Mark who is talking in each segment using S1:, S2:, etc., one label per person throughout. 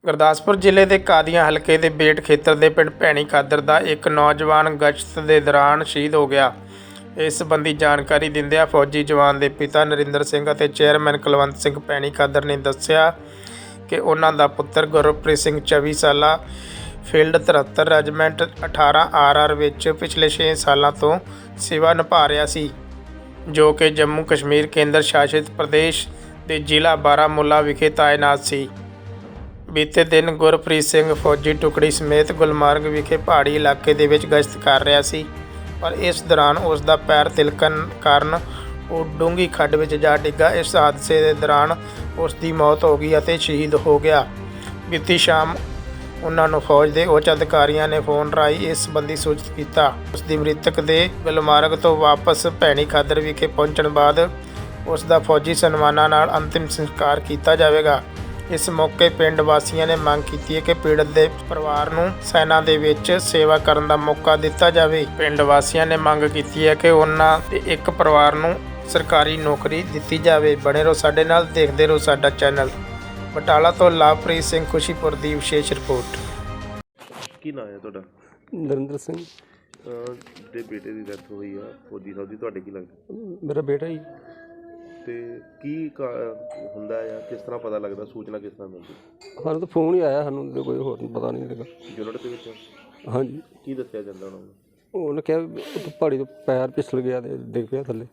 S1: ਗੁਰਦਾਸਪੁਰ ਜ਼ਿਲ੍ਹੇ ਦੇ ਕਾਦੀਆਂ ਹਲਕੇ ਦੇ ਬੇਟ ਖੇਤਰ ਦੇ ਪਿੰਡ ਭੈਣੀ ਕਾਦਰ ਦਾ ਇੱਕ ਨੌਜਵਾਨ ਗਸ਼ਤ ਦੇ ਦੌਰਾਨ ਸ਼ਹੀਦ ਹੋ ਗਿਆ। ਇਸ ਸੰਬੰਧੀ ਜਾਣਕਾਰੀ ਦਿੰਦਿਆਂ ਫੌਜੀ ਜਵਾਨ ਦੇ ਪਿਤਾ ਨਰਿੰਦਰ ਸਿੰਘ ਅਤੇ ਚੇਅਰਮੈਨ ਕੁਲਵੰਤ ਸਿੰਘ ਭੈਣੀ ਕਾਦਰ ਨੇ ਦੱਸਿਆ ਕਿ ਉਹਨਾਂ ਦਾ ਪੁੱਤਰ ਗੁਰਪ੍ਰੀਤ ਸਿੰਘ 24 ਸਾਲਾ ਫੀਲਡ 73 ਰੈਜੀਮੈਂਟ 18 RR ਵਿੱਚ ਪਿਛਲੇ 6 ਸਾਲਾਂ ਤੋਂ ਸੇਵਾ ਨਿਭਾ ਰਿਹਾ ਸੀ, ਜੋ ਕਿ ਜੰਮੂ ਕਸ਼ਮੀਰ ਕੇਂਦਰ ਸ਼ਾਸਿਤ ਪ੍ਰਦੇਸ਼ ਦੇ ਜ਼ਿਲ੍ਹਾ ਬਾਰਾਮੂਲਾ ਵਿਖੇ ਤਾਇਨਾਤ ਸੀ। ਬੀਤੇ ਦਿਨ ਗੁਰਪ੍ਰੀਤ ਸਿੰਘ ਫੌਜੀ ਟੁਕੜੀ ਸਮੇਤ ਗੁਲਮਾਰਗ ਵਿਖੇ ਪਹਾੜੀ ਇਲਾਕੇ ਦੇ ਵਿੱਚ ਗਸ਼ਤ ਕਰ ਰਿਹਾ ਸੀ, ਪਰ ਇਸ ਦੌਰਾਨ ਉਸ ਦਾ ਪੈਰ ਤਿਲਕਣ ਕਾਰਨ ਉਹ ਡੂੰਘੀ ਖੱਡ ਵਿੱਚ ਜਾ ਡਿੱਗਾ। ਇਸ ਹਾਦਸੇ ਦੇ ਦੌਰਾਨ ਉਸ ਦੀ ਮੌਤ ਹੋ ਗਈ ਅਤੇ ਸ਼ਹੀਦ ਹੋ ਗਿਆ। ਬੀਤੀ ਸ਼ਾਮ ਉਹਨਾਂ ਨੂੰ ਫੌਜ ਦੇ ਉੱਚ ਅਧਿਕਾਰੀਆਂ ਨੇ ਫੋਨ ਰਾਹੀਂ ਇਸ ਸੰਬੰਧੀ ਸੂਚਿਤ ਕੀਤਾ। ਉਸ ਦੀ ਮ੍ਰਿਤਕ ਦੇ ਗੁਲਮਾਰਗ ਤੋਂ ਵਾਪਸ ਭੈਣੀ ਕਾਦਰ ਵਿਖੇ ਪਹੁੰਚਣ ਬਾਅਦ ਉਸ ਦਾ ਫੌਜੀ ਸਨਮਾਨਾਂ ਨਾਲ ਅੰਤਿਮ ਸੰਸਕਾਰ ਕੀਤਾ ਜਾਵੇਗਾ। ਇਸ ਮੌਕੇ ਪਿੰਡ ਵਾਸੀਆਂ ਨੇ ਮੰਗ ਕੀਤੀ ਹੈ ਕਿ ਪੀੜਤ ਦੇ ਪਰਿਵਾਰ ਨੂੰ ਸੈਨਾ ਦੇ ਵਿੱਚ ਸੇਵਾ ਕਰਨ ਦਾ ਮੌਕਾ ਦਿੱਤਾ ਜਾਵੇ। ਪਿੰਡ ਵਾਸੀਆਂ ਨੇ ਮੰਗ ਕੀਤੀ ਹੈ ਕਿ ਉਹਨਾਂ ਦੇ ਇੱਕ ਪਰਿਵਾਰ ਨੂੰ ਸਰਕਾਰੀ ਨੌਕਰੀ ਦਿੱਤੀ ਜਾਵੇ। ਬਣੇ ਰਹੋ ਸਾਡੇ ਨਾਲ, ਦੇਖਦੇ ਰਹੋ ਸਾਡਾ ਚੈਨਲ। ਬਟਾਲਾ ਤੋਂ ਲਵਪ੍ਰੀਤ ਸਿੰਘ ਖੁਸ਼ੀਪੁਰ ਦੀ ਵਿਸ਼ੇਸ਼ ਰਿਪੋਰਟ।
S2: ਕੀ ਨਾਂ ਹੈ ਤੁਹਾਡਾ?
S3: ਨਰਿੰਦਰ ਸਿੰਘ।
S2: ਦੇ ਬੇਟੇ ਦੀ ਡੈਥ ਹੋਈ ਆ ਫੌਜੀ ਸਾਹਿਬ ਦੀ, ਤੁਹਾਡੇ ਕੀ ਲੱਗਦਾ?
S3: ਮੇਰਾ ਬੇਟਾ ਜੀ।
S2: ਤੇ ਕੀ ਹੁੰਦਾ ਆ, ਕਿਸ ਤਰ੍ਹਾਂ ਪਤਾ ਲੱਗਦਾ, ਸੂਚਨਾ ਕਿਸ ਤਰ੍ਹਾਂ ਮਿਲਦੀ?
S3: ਸਾਨੂੰ ਤਾਂ ਫੋਨ ਹੀ ਆਇਆ, ਸਾਨੂੰ ਤਾਂ ਕੋਈ ਹੋਰ ਪਤਾ ਨਹੀਂ ਲੱਗਾ।
S2: ਯੂਨਿਟ ਦੇ ਵਿੱਚ?
S3: ਹਾਂਜੀ।
S2: ਕੀ ਦੱਸਿਆ ਜਾਂਦਾ ਉਹਨਾਂ ਨੂੰ?
S3: ਉਹਨੇ ਕਿਹਾ ਉੱਥੇ ਪਹਾੜੀ ਤੋਂ ਪੈਰ ਫਿਸਲ ਗਿਆ ਤੇ ਡਿੱਗ ਪਿਆ ਥੱਲੇ।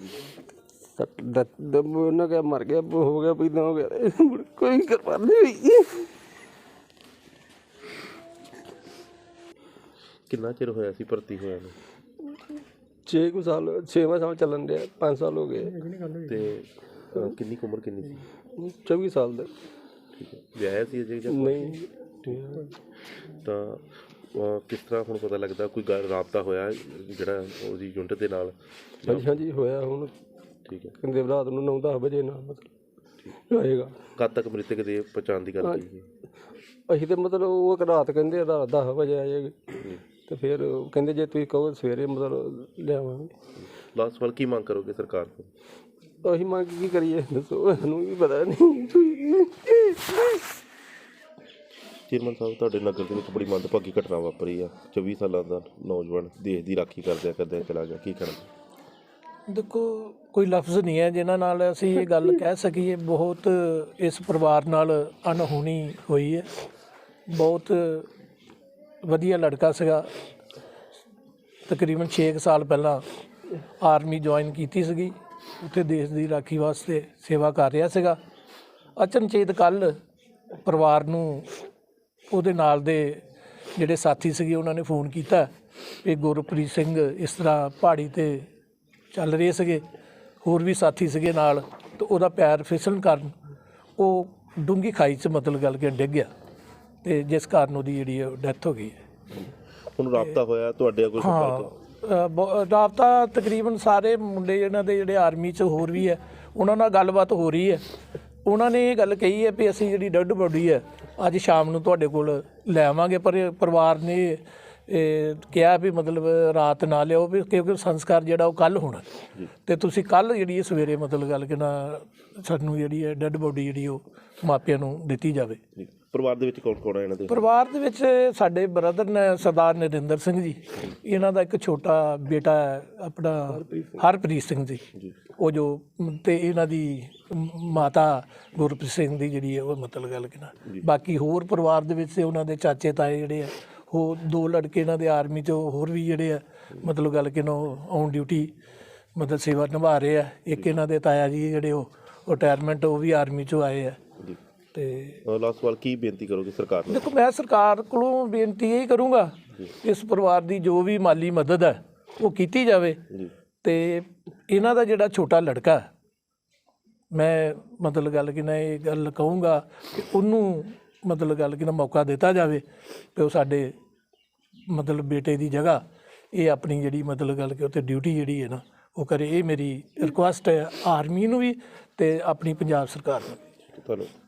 S3: ਉਹਨਾਂ ਕਿਹਾ ਮਰ ਗਿਆ, ਹੋ ਗਿਆ ਪੀਦਾ ਹੋ ਗਿਆ, ਕੋਈ ਕਰਵਾ ਨਹੀਂ ਹੋਈ।
S2: ਕਿੰਨਾ ਚਿਰ ਹੋਇਆ ਸੀ ਭਰਤੀ ਹੋਇਆ ਨੂੰ?
S3: 6 ਸਾਲ, 6ਵਾਂ ਸਾਲ ਚੱਲਣ ਡਿਆ, 5 ਸਾਲ ਹੋ ਗਏ।
S2: ਤੇ ਕਿੰਨੀ ਕੁ ਉਮਰ ਕਿੰਨੀ ਸੀ?
S3: 24 ਸਾਲ ਦਾ।
S2: ਠੀਕ ਹੈ। ਵਿਆਹਿਆ ਸੀ ਅਜੇ ਜਾਂ
S3: ਨਹੀਂ?
S2: ਤਾਂ ਕਿਸ ਤਰ੍ਹਾਂ ਹੁਣ ਪਤਾ ਲੱਗਦਾ, ਕੋਈ ਗੱਲ ਰਾਬਤਾ ਹੋਇਆ ਜਿਹੜਾ ਉਹਦੀ ਯੂਨਿਟ ਦੇ ਨਾਲ?
S3: ਹਾਂਜੀ ਹਾਂਜੀ ਹੋਇਆ ਹੁਣ।
S2: ਠੀਕ ਹੈ।
S3: ਕਹਿੰਦੇ ਰਾਤ ਨੂੰ 9-10 ਵਜੇ ਨਾਲ ਮਤਲਬ ਆਏਗਾ।
S2: ਕਦ ਤੱਕ ਮ੍ਰਿਤਕ ਦੇ ਪਛਾਣ ਦੀ ਗੱਲ ਕੀਤੀ?
S3: ਅਸੀਂ ਤਾਂ ਮਤਲਬ ਉਹ ਰਾਤ ਕਹਿੰਦੇ ਰਾਤ 10 ਵਜੇ ਆ ਜਾਏਗੀ, ਤੇ ਫਿਰ ਕਹਿੰਦੇ ਜੇ ਤੁਸੀਂ ਕਹੋ ਸਵੇਰੇ ਮਤਲਬ ਲਿਆਵਾਂਗੇ।
S2: ਲਾਸਟ ਵਾਰ ਕੀ ਮੰਗ ਕਰੋਗੇ ਸਰਕਾਰ ਤੋਂ?
S3: ਅਸੀਂ ਮੰਗ ਕੀ ਕਰੀਏ ਦੱਸੋ, ਸਾਨੂੰ ਵੀ ਪਤਾ ਨਹੀਂ।
S2: ਚੇਅਰਮੈਨ ਸਾਹਿਬ, ਤੁਹਾਡੇ ਨਗਰ ਦੇ ਵਿੱਚ ਬੜੀ ਮੰਦਭਾਗੀ ਘਟਨਾ ਵਾਪਰੀ ਆ। 24 ਸਾਲਾਂ ਦਾ ਨੌਜਵਾਨ ਦੇਸ਼ ਦੀ ਰਾਖੀ ਕਰਦਿਆਂ ਚਲਾ ਗਿਆ, ਕੀ ਕਰਨਾ?
S4: ਦੇਖੋ, ਕੋਈ ਲਫ਼ਜ਼ ਨਹੀਂ ਹੈ ਜਿਨ੍ਹਾਂ ਨਾਲ ਅਸੀਂ ਇਹ ਗੱਲ ਕਹਿ ਸਕੀਏ। ਬਹੁਤ ਇਸ ਪਰਿਵਾਰ ਨਾਲ ਅਣਹੋਣੀ ਹੋਈ ਹੈ। ਬਹੁਤ ਵਧੀਆ ਲੜਕਾ ਸੀਗਾ। ਤਕਰੀਬਨ 6 ਸਾਲ ਪਹਿਲਾਂ ਆਰਮੀ ਜੁਆਇਨ ਕੀਤੀ ਸੀਗੀ, ਉੱਥੇ ਦੇਸ਼ ਦੀ ਰਾਖੀ ਵਾਸਤੇ ਸੇਵਾ ਕਰ ਰਿਹਾ ਸੀਗਾ। ਅਚਨਚੇਤ ਕੱਲ੍ਹ ਪਰਿਵਾਰ ਨੂੰ ਉਹਦੇ ਨਾਲ ਦੇ ਜਿਹੜੇ ਸਾਥੀ ਸੀਗੇ ਉਹਨਾਂ ਨੇ ਫੋਨ ਕੀਤਾ ਕਿ ਗੁਰਪ੍ਰੀਤ ਸਿੰਘ ਇਸ ਤਰ੍ਹਾਂ ਪਹਾੜੀ 'ਤੇ ਚੱਲ ਰਹੇ ਸੀਗੇ, ਹੋਰ ਵੀ ਸਾਥੀ ਸੀਗੇ ਨਾਲ, ਅਤੇ ਉਹਦਾ ਪੈਰ ਫਿਸਲਣ ਕਾਰਨ ਉਹ ਡੂੰਘੀ ਖਾਈ 'ਚ ਮਤਲਬ ਗੱਲ ਕਿ ਡਿੱਗ ਗਿਆ, ਅਤੇ ਜਿਸ ਕਾਰਨ ਉਹਦੀ ਜਿਹੜੀ ਡੈਥ ਹੋ ਗਈ ਹੈ।
S2: ਹੁਣ ਰਾਬਤਾ ਹੋਇਆ ਤੁਹਾਡੇ ਕੋਈ?
S4: ਰਾਬਤਾ ਤਕਰੀਬਨ ਸਾਰੇ ਮੁੰਡੇ ਇਹਨਾਂ ਦੇ ਜਿਹੜੇ ਆਰਮੀ 'ਚ ਹੋਰ ਵੀ ਹੈ, ਉਹਨਾਂ ਨਾਲ ਗੱਲਬਾਤ ਹੋ ਰਹੀ ਹੈ। ਉਹਨਾਂ ਨੇ ਇਹ ਗੱਲ ਕਹੀ ਹੈ ਵੀ ਅਸੀਂ ਜਿਹੜੀ ਡੈੱਡ ਬੋਡੀ ਹੈ ਅੱਜ ਸ਼ਾਮ ਨੂੰ ਤੁਹਾਡੇ ਕੋਲ ਲੈ ਆਵਾਂਗੇ, ਪਰ ਪਰਿਵਾਰ ਨੇ ਕਿਹਾ ਵੀ ਮਤਲਬ ਰਾਤ ਨਾ ਲਿਓ, ਵੀ ਕਿਉਂਕਿ ਸੰਸਕਾਰ ਜਿਹੜਾ ਉਹ ਕੱਲ੍ਹ ਹੋਣਾ, ਅਤੇ ਤੁਸੀਂ ਕੱਲ੍ਹ ਜਿਹੜੀ ਸਵੇਰੇ ਮਤਲਬ ਗੱਲ ਕਿ ਨਾ ਸਾਨੂੰ ਜਿਹੜੀ ਹੈ ਡੈੱਡ ਬੋਡੀ ਜਿਹੜੀ ਉਹ ਮਾਪਿਆਂ ਨੂੰ ਦਿੱਤੀ ਜਾਵੇ।
S2: ਪਰਿਵਾਰ ਦੇ ਵਿੱਚ ਕੌਣ ਕੌਣ ਹੈ ਇਹਨਾਂ ਦੇ?
S4: ਪਰਿਵਾਰ ਦੇ ਵਿੱਚ ਸਾਡੇ ਬ੍ਰਦਰ ਨੇ ਸਰਦਾਰ ਨਰਿੰਦਰ ਸਿੰਘ ਜੀ, ਇਹਨਾਂ ਦਾ ਇੱਕ ਛੋਟਾ ਬੇਟਾ ਆਪਣਾ ਹਰਪ੍ਰੀਤ ਸਿੰਘ ਜੀ, ਉਹ ਜੋ, ਅਤੇ ਇਹਨਾਂ ਦੀ ਮਾਤਾ ਗੁਰਪ੍ਰੀਤ ਸਿੰਘ ਦੀ ਜਿਹੜੀ ਹੈ ਉਹ ਮਤਲਬ ਗੱਲ ਕਿ ਨਾ। ਬਾਕੀ ਹੋਰ ਪਰਿਵਾਰ ਦੇ ਵਿੱਚ ਉਹਨਾਂ ਦੇ ਚਾਚੇ ਤਾਏ ਜਿਹੜੇ ਆ, ਉਹ 2 ਲੜਕੇ ਇਹਨਾਂ ਦੇ ਆਰਮੀ 'ਚ ਹੋਰ ਵੀ ਜਿਹੜੇ ਆ ਮਤਲਬ ਗੱਲ ਕਿ ਨਾ ਔਨ ਡਿਊਟੀ ਮਤਲਬ ਸੇਵਾ ਨਿਭਾ ਰਹੇ ਆ। ਇੱਕ ਇਹਨਾਂ ਦੇ ਤਾਇਆ ਜੀ ਜਿਹੜੇ ਉਹ ਰਿਟਾਇਰਮੈਂਟ, ਉਹ ਵੀ ਆਰਮੀ 'ਚੋਂ ਆਏ ਆ। ਤੇ
S2: ਲਾਸਟ ਸਵਾਲ, ਕੀ ਬੇਨਤੀ ਕਰੋਗੇ ਸਰਕਾਰ ਨੂੰ?
S4: ਦੇਖੋ, ਮੈਂ ਸਰਕਾਰ ਕੋਲੋਂ ਬੇਨਤੀ ਇਹ ਕਰੂੰਗਾ ਇਸ ਪਰਿਵਾਰ ਦੀ ਜੋ ਵੀ ਮਾਲੀ ਮਦਦ ਹੈ ਉਹ ਕੀਤੀ ਜਾਵੇ, ਅਤੇ ਇਹਨਾਂ ਦਾ ਜਿਹੜਾ ਛੋਟਾ ਲੜਕਾ, ਮੈਂ ਮਤਲਬ ਗੱਲ ਕਿ ਨਾ ਇਹ ਗੱਲ ਕਹੂੰਗਾ ਕਿ ਉਹਨੂੰ ਮਤਲਬ ਗੱਲ ਕਿ ਨਾ ਮੌਕਾ ਦਿੱਤਾ ਜਾਵੇ ਕਿ ਉਹ ਸਾਡੇ ਮਤਲਬ ਬੇਟੇ ਦੀ ਜਗ੍ਹਾ ਇਹ ਆਪਣੀ ਜਿਹੜੀ ਮਤਲਬ ਗੱਲ ਕਿ ਉੱਥੇ ਡਿਊਟੀ ਜਿਹੜੀ ਹੈ ਨਾ ਉਹ ਕਰੇ। ਇਹ ਮੇਰੀ ਰਿਕੁਐਸਟ ਹੈ ਆਰਮੀ ਨੂੰ ਵੀ ਅਤੇ ਆਪਣੀ ਪੰਜਾਬ ਸਰਕਾਰ ਨੂੰ ਵੀ।
S2: ਤੁਹਾਨੂੰ